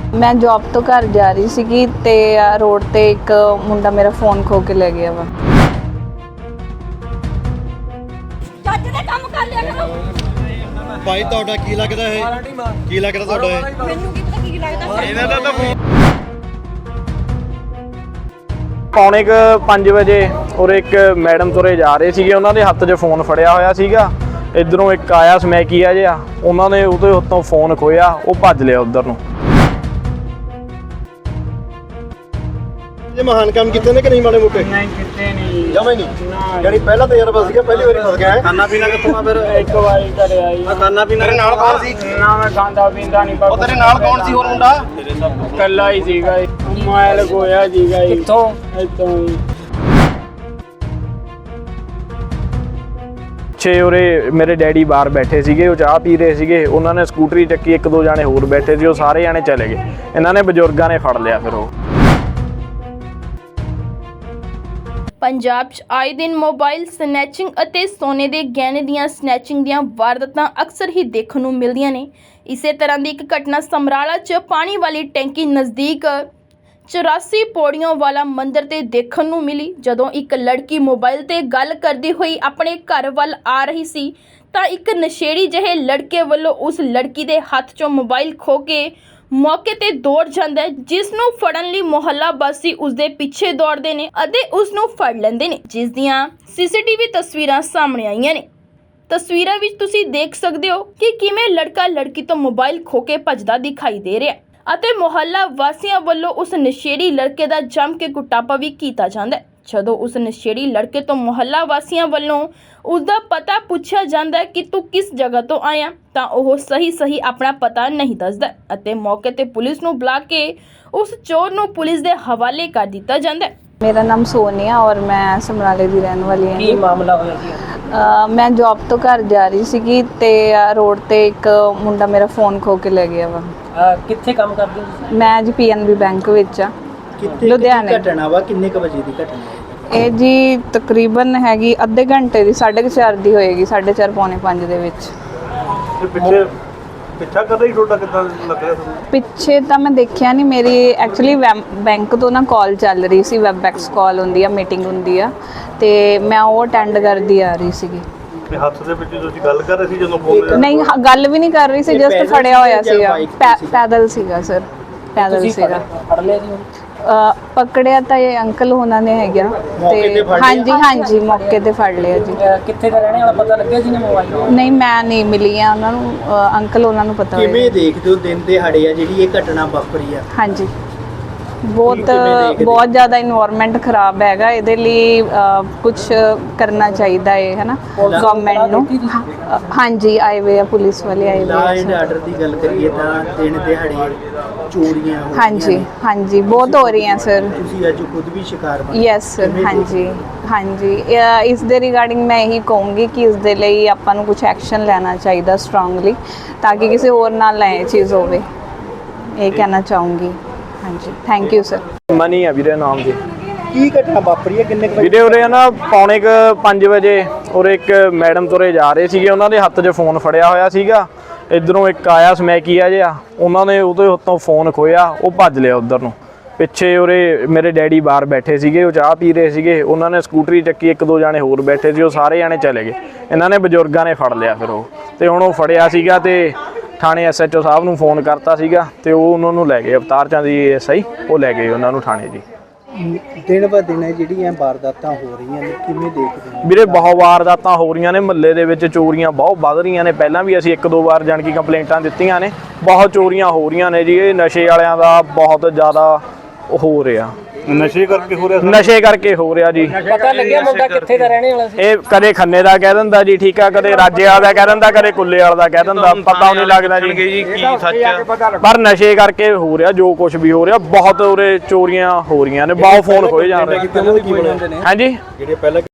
मैं जॉब तो घर जा रही सी ते रोड ते एक मुंडा मेरा फोन खो के ले गया वा। भाई ਤੁਹਾਡਾ ਕੀ ਲੱਗਦਾ ਹੈ? ਕੀ ਲੱਗਦਾ ਤੁਹਾਡਾ ਹੈ? ਮੈਨੂੰ ਕੀ ਪਤਾ ਕੀ ਲੱਗਦਾ ਇਹਨਾਂ ਦਾ ਤਾਂ ਪੌਣੇ 5 ਵਜੇ ਔਰ ਇੱਕ ਮੈਡਮ ਤੁਰੇ ਜਾ ਰਹੇ ਸੀਗੇ, ਉਹਨਾਂ ਦੇ ਹੱਥ 'ਚ ਫੋਨ ਫੜਿਆ ਹੋਇਆ ਸੀਗਾ। ਇਧਰੋਂ ਇੱਕ ਆਇਆ ਸਮੈਕੀਆ ਜਿਹਾ, ਉਹਨਾਂ ਨੇ ਉਹਦੇ ਉੱਤੋਂ ਫੋਨ ਖੋਇਆ, ਉਹ ਭੱਜ ਲਿਆ ਉਧਰ ਨੂੰ। ਇਹ ਮਹਾਨ ਕੰਮ ਕੀਤੇ ਨੇ ਕਿ ਨਹੀਂ ਮਾੜੇ ਮੋਟੇ? ਨਹੀਂ ਕਿਤੇ ਨਹੀਂ, ਜਮਾ ਹੀ ਨਹੀਂ। ਯਾਨੀ ਪਹਿਲਾ ਤਜਰਬਾ ਸੀਗਾ, ਪਹਿਲੀ ਵਾਰੀ ਫਸ ਗਿਆ ਹੈ। ਖਾਣਾ ਪੀਣਾ ਕਿੱਥੋਂ ਆ ਫਿਰ? ਇੱਕ ਵਾਰੀ ਘਰੇ ਆਈ। ਖਾਣਾ ਪੀਣਾ ਤੇਰੇ ਨਾਲ ਕੌਣ ਸੀ? ਨਾ ਮੈਂ ਖਾਂਦਾ ਪੀਂਦਾ ਨਹੀਂ। ਉਹ ਤੇਰੇ ਨਾਲ ਕੌਣ ਸੀ ਹੋਰ ਮੁੰਡਾ? ਇਕੱਲਾ ਹੀ ਸੀਗਾ, ਮੋਬਾਈਲ ਖੋਇਆ ਸੀਗਾ। ਕਿੱਥੋਂ? ਇੱਥੋਂ ਹੀ। ਉਰੇ ਮੇਰੇ ਡੈਡੀ ਬਾਹਰ ਬੈਠੇ ਸੀਗੇ, ਉਹ ਚਾਹ ਪੀ ਰਹੇ ਸੀਗੇ। ਉਹਨਾਂ ਨੇ ਸਕੂਟਰੀ ਚੱਕੀ, ਇੱਕ ਦੋ ਜਾਣੇ ਹੋਰ ਬੈਠੇ ਸੀ, ਉਹ ਸਾਰੇ ਜਾਣੇ ਚਲੇ ਗਏ। ਇਹਨਾਂ ਨੇ ਬਜ਼ੁਰਗਾਂ ਨੇ ਫੜ ਲਿਆ। ਫਿਰ ਉਹ ਪੰਜਾਬ 'ਚ ਆਏ ਦਿਨ ਮੋਬਾਈਲ ਸਨੈਚਿੰਗ ਅਤੇ ਸੋਨੇ ਦੇ ਗਹਿਣੇ ਦੀਆਂ ਸਨੈਚਿੰਗ ਦੀਆਂ ਵਾਰਦਾਤਾਂ ਅਕਸਰ ਹੀ ਦੇਖਣ ਨੂੰ ਮਿਲਦੀਆਂ ਨੇ। ਇਸੇ ਤਰ੍ਹਾਂ ਦੀ ਇੱਕ ਘਟਨਾ ਸਮਰਾਲਾ 'ਚ ਪਾਣੀ ਵਾਲੀ ਟੈਂਕੀ ਨਜ਼ਦੀਕ 84 ਪੌੜੀਆਂ ਵਾਲਾ ਮੰਦਿਰ ਤੇ ਦੇਖਣ ਨੂੰ ਮਿਲੀ। ਜਦੋਂ ਇੱਕ ਲੜਕੀ ਮੋਬਾਈਲ ਤੇ ਗੱਲ ਕਰਦੀ ਹੋਈ ਆਪਣੇ ਘਰ ਵੱਲ ਆ ਰਹੀ ਸੀ ਤਾਂ ਇੱਕ ਨਸ਼ੇੜੀ ਜਿਹੇ ਲੜਕੇ ਵੱਲੋਂ ਉਸ ਲੜਕੀ ਦੇ ਹੱਥ 'ਚੋਂ ਮੋਬਾਈਲ ਖੋਹ ਕੇ ਮੌਕੇ ਤੇ ਦੌੜ ਜਾਂਦਾ ਹੈ, ਜਿਸ ਨੂੰ ਫੜਨ ਲਈ ਮੁਹੱਲਾ ਵਾਸੀ ਉਸ ਦੇ ਪਿੱਛੇ ਦੌੜਦੇ ਨੇ ਅਤੇ ਉਸ ਨੂੰ ਫੜ ਲੈਂਦੇ ਨੇ, ਜਿਸ ਦੀਆਂ ਸੀਸੀਟੀਵੀ ਤਸਵੀਰਾਂ ਸਾਹਮਣੇ ਆਈਆਂ ਨੇ। ਤਸਵੀਰਾਂ ਵਿੱਚ ਤੁਸੀਂ ਦੇਖ ਸਕਦੇ ਹੋ ਕਿ ਕਿਵੇਂ ਲੜਕਾ ਲੜਕੀ ਤੋਂ ਮੋਬਾਈਲ ਖੋਹ ਕੇ ਭੱਜਦਾ ਦਿਖਾਈ ਦੇ ਰਿਹਾ ਅਤੇ ਮੁਹੱਲਾ ਵਾਸੀਆਂ ਵੱਲੋਂ ਉਸ ਨਸ਼ੇੜੀ ਲੜਕੇ ਦਾ ਜੰਮ ਕੇ ਕੁੱਟਾਪਾ ਵੀ ਕੀਤਾ ਜਾਂਦਾ ਹੈ। ਜਦੋਂ ਉਸ ਨਸ਼ੇੜੀ ਲੜਕੇ ਤੋਂ ਮੁਹੱਲਾ ਵਾਸੀਆਂ ਵੱਲੋਂ ਉਸ ਦਾ ਪਤਾ ਪੁੱਛਿਆ ਜਾਂਦਾ ਹੈ ਕਿ ਤੂੰ ਕਿਸ ਜਗ੍ਹਾ ਤੋਂ ਆਇਆ, ਤਾਂ ਉਹ ਸਹੀ ਆਪਣਾ ਪਤਾ ਨਹੀਂ ਦੱਸਦਾ ਅਤੇ ਮੌਕੇ ਤੇ ਪੁਲਿਸ ਨੂੰ ਬੁਲਾ ਕੇ ਉਸ ਚੋਰ ਨੂੰ ਪੁਲਿਸ ਦੇ ਹਵਾਲੇ ਕਰ ਦਿੱਤਾ ਜਾਂਦਾ ਹੈ। मेरा नाम सोनिया और मैं समराले की रहने वाली ਕੀ हाँ। ਮਾਮਲਾ ਹੋਇਆ ਜੀ? मैं जॉब तो घर जा रही सी ते रोड ते एक मुंडा मेरा फोन खो के ले गया वा। ਕਿੱਥੇ ਕੰਮ ਕਰਦੇ ਹੋ ਤੁਸੀਂ? मैं जी PNB बैंक विच आ ਕਿੱਥੇ ਲੁਧਿਆਣੇ। ਘਟਨਾ ਵਾ ਕਿੰਨੇ ਕ ਵਜੇ ਦੀ ਘਟਨਾ ਹੈ? ਇਹ ਜੀ ਤਕਰੀਬਨ ਹੈਗੀ ਅੱਧੇ ਘੰਟੇ ਦੀ, 4:30 ਦੀ ਹੋਏਗੀ, 4:30 ਪੌਣੇ 5 ਦੇ ਵਿੱਚ। ਪਿੱਛਾ ਕਰ ਰਹੀ ਤੁਹਾਡਾ ਕਿੱਦਾਂ ਲੱਗ ਰਿਹਾ ਤੁਹਾਨੂੰ? ਪਿੱਛੇ ਤਾਂ ਮੈਂ ਦੇਖਿਆ ਨਹੀਂ, ਮੇਰੀ ਐਕਚੁਅਲੀ ਬੈਂਕ ਤੋਂ ਨਾ ਕਾਲ ਚੱਲ ਰਹੀ ਸੀ, ਵੈਬਐਕਸ ਕਾਲ ਹੁੰਦੀ ਆ, ਮੀਟਿੰਗ ਹੁੰਦੀ ਆ, ਤੇ ਮੈਂ ਉਹ ਅਟੈਂਡ ਕਰਦੀ ਆ ਰਹੀ ਸੀਗੀ। ਤੇ ਹੱਥ ਦੇ ਵਿੱਚ ਤੁਸੀਂ ਗੱਲ ਕਰ ਰਹੇ ਸੀ ਜਦੋਂ ਫੋਨ? ਨਹੀਂ, ਗੱਲ ਵੀ ਨਹੀਂ ਕਰ ਰਹੀ ਸੀ, ਇਹ ਜਸਟ ਪੈਦਲ ਫੜਿਆ ਹੋਇਆ ਸੀ ਜਾਂ ਸੀਗਾ। bike ਤੇ ਸੀ? ਪੈਦਲ ਸੀਗਾ ਸਰ, ਪੈਦਲ ਤੁਸੀਂ ਸੀਗਾ। ਫੜ ਲਿਆ ਜੀ? ਪਕੜਿਆ ਤਾਂ ਇਹ ਅੰਕਲ ਹੋਣਾ ਨੇ ਹੈਗਾ ਮੌਕੇ ਤੇ ਤੇ ਫੜ ਲਿਆ? ਹਾਂਜੀ ਮੌਕੇ ਤੇ ਫੜ ਲਿਆ ਜੀ। ਕਿੱਥੇ ਦਾ ਰਹਿਣੇ ਵਾਲਾ ਪਤਾ ਲੱਗਿਆ ਜੀ ਨੇ ਮੋਬਾਈਲ? ਨਹੀਂ, ਮੈਂ ਨਹੀਂ ਮਿਲੀ ਆ ਉਹਨਾਂ ਨੂੰ, ਅੰਕਲ ਉਹਨਾਂ ਨੂੰ ਪਤਾ ਕਿਵੇਂ ਹੋਏਗਾ। ਦੇਖਦੇ ਹੋ ਦਿਨ ਦਿਹਾੜੇ ਆ ਜਿਹੜੀ ਇਹ ਘਟਨਾ ਵਾਪਰੀ ਆ? ਹਾਂਜੀ, ਕਿਵੇਂ ਦੇਖਦੇ? ਬਹੁਤ ਜ਼ਿਆਦਾ ਇਨਵਾਇਰਨਮੈਂਟ ਖਰਾਬ ਹੈਗਾ, ਇਹਦੇ ਲਈ ਕੁਝ ਕਰਨਾ ਚਾਹੀਦਾ ਹੈ, ਹੈ ਨਾ, ਗਵਰਨਮੈਂਟ ਨੂੰ। ਹਾਂਜੀ, ਆਏ ਹੋਏ ਆ ਪੁਲਿਸ ਵਾਲੇ, ਆਏ ਲਾ ਹੋਏ ਐਂਡ ਆ। ਆਰਡਰ ਦੀ ਗੱਲ ਕਰੀਏ ਤਾਂ ਦਿਨ ਦਿਹਾੜੇ ਚੋਰੀਆਂ ਹੋ ਰਹੀਆਂ ਹਾਂਜੀ ਬਹੁਤ ਹੋ ਰਹੀਆਂ ਸਰ। ਨੇ। ਤੁਸੀਂ ਅੱਜ ਖੁਦ ਵੀ ਸ਼ਿਕਾਰ ਬਣੇ। ਯੈਸ ਸਰ, ਹਾਂਜੀ ਇਸ ਦੇ ਰਿਗਾਰਡਿੰਗ ਮੈਂ ਇਹੀ ਕਹੂੰਗੀ ਕਿ ਇਸ ਦੇ ਲਈ ਆਪਾਂ ਨੂੰ ਕੁਝ ਐਕਸ਼ਨ ਲੈਣਾ ਚਾਹੀਦਾ ਸਟਰੋਂਗਲੀ, ਤਾਂ ਕਿ ਕਿਸੇ ਹੋਰ ਨਾਲ ਇਹ ਚੀਜ਼ ਹੋਵੇ, ਇਹ ਕਹਿਣਾ ਚਾਹੂੰਗੀ। ਹਾਂਜੀ, ਥੈਂਕ ਯੂ ਸਰ। ਮਨੀ ਆ ਵੀਰੇ ਨਾਮ ਜੀ। ਕੀ ਘਟਨਾ ਵਾਪਰੀ ਹੈ? ਕਿੰਨੇ ਕ ਵਜੇ? ਵੀਰੇ ਉਰੇ ਨਾ ਪੌਣੇ 5 ਵਜੇ ਔਰ ਇੱਕ ਮੈਡਮ ਤੁਰੇ ਜਾ ਰਹੇ ਸੀਗੇ, ਉਹਨਾਂ ਦੇ ਹੱਥ 'ਚ ਫੋਨ ਫੜਿਆ ਹੋਇਆ ਸੀਗਾ। ਇਧਰੋਂ ਇੱਕ ਆਇਆ ਸਮੈਕੀਆ ਜਿਹਾ, ਉਹਨਾਂ ਨੇ ਉਹਦੇ ਉੱਤੋਂ ਫੋਨ ਖੋਇਆ, ਉਹ ਭੱਜ ਲਿਆ ਉਧਰ ਨੂੰ। ਪਿੱਛੇ ਉਰੇ ਮੇਰੇ ਡੈਡੀ ਬਾਹਰ ਬੈਠੇ ਸੀਗੇ, ਉਹ ਚਾਹ ਪੀ ਰਹੇ ਸੀਗੇ। ਉਹਨਾਂ ਨੇ ਸਕੂਟਰੀ ਚੱਕੀ, ਇੱਕ ਦੋ ਜਾਣੇ ਹੋਰ ਬੈਠੇ ਸੀ, ਉਹ ਸਾਰੇ ਜਾਣੇ ਚਲੇ ਗਏ। ਇਹਨਾਂ ਨੇ ਬਜ਼ੁਰਗਾਂ ਨੇ ਫੜ ਲਿਆ। ਫਿਰ ਉਹ ਤੇ ਹੁਣ ਉਹ ਫੜਿਆ ਸੀਗਾ ਤੇ ਥਾਣੇ SHO ਸਾਹਿਬ ਨੂੰ ਫੋਨ ਕਰਤਾ ਸੀਗਾ ਤੇ ਉਹ ਉਹਨਾਂ ਨੂੰ ਲੈ ਗਏ, ਅਵਤਾਰ ਚੰਦ ਜੀ SI, ਉਹ ਲੈ ਗਏ ਉਹਨਾਂ ਨੂੰ ਥਾਣੇ ਜੀ। ਦਿਨ ਬ ਦਿਨ ਜਿਹੜੀਆਂ ਵਾਰਦਾਤਾਂ ਹੋ ਰਹੀਆਂ ਨੇ, ਕਿਵੇਂ ਦੇਖਦੇ ਹੋ? ਵੀਰੇ ਬਹੁਤ ਵਾਰਦਾਤਾਂ ਹੋ ਰਹੀਆਂ ਨੇ, ਮਹੱਲੇ ਦੇ ਵਿੱਚ ਚੋਰੀਆਂ ਬਹੁਤ ਵੱਧ ਰਹੀਆਂ ਨੇ। ਪਹਿਲਾਂ ਵੀ ਅਸੀਂ ਇੱਕ ਦੋ ਵਾਰ ਜਾਣ ਕੀ ਕੰਪਲੇਂਟਾਂ ਦਿੱਤੀਆਂ ਨੇ, ਬਹੁਤ ਚੋਰੀਆਂ ਹੋ ਰਹੀਆਂ ਨੇ ਜੀ। ਇਹ ਨਸ਼ੇ ਵਾਲਿਆਂ ਦਾ ਬਹੁਤ ਜ਼ਿਆਦਾ ਹੋ ਰਿਹਾ, ਨਸ਼ੇ ਕਰਕੇ ਹੋ ਰਿਹਾ? ਨਸ਼ੇ ਕਰਕੇ ਹੋ ਰਿਹਾ ਜੀ। ਪਤਾ ਲੱਗਿਆ ਮੁੰਡਾ ਕਿੱਥੇ ਦਾ ਰਹਿਣੇ ਵਾਲਾ ਸੀ? ਇਹ ਕਦੇ ਖੰਨੇ ਦਾ ਕਹਿ ਦਿੰਦਾ ਜੀ, ਠੀਕ ਆ, ਕਦੇ ਰਾਜੇ ਵਾਲਾ ਦਾ ਕਹਿ ਦਿੰਦਾ, ਕਦੇ ਕੁੱਲੇ ਵਾਲਾ ਦਾ ਕਹਿ ਦਿੰਦਾ, ਪਤਾ ਨਹੀਂ ਲੱਗਦਾ ਜੀ ਕੀ ਸੱਚ? ਪਰ ਨਸ਼ੇ ਕਰਕੇ ਹੋ ਰਿਹਾ ਜੋ ਕੁਝ ਵੀ ਹੋ ਰਿਹਾ। ਬਹੁਤ ਉਰੇ ਚੋਰੀਆਂ ਹੋ ਰਹੀਆਂ ਨੇ, ਬਹੁਤ ਫੋਨ ਖੋਏ ਜਾ ਰਹੇ। ਕੀ ਬਣਿਆ? ਹਾਂਜੀ, ਜਿਹੜੇ ਪਹਿਲਾਂ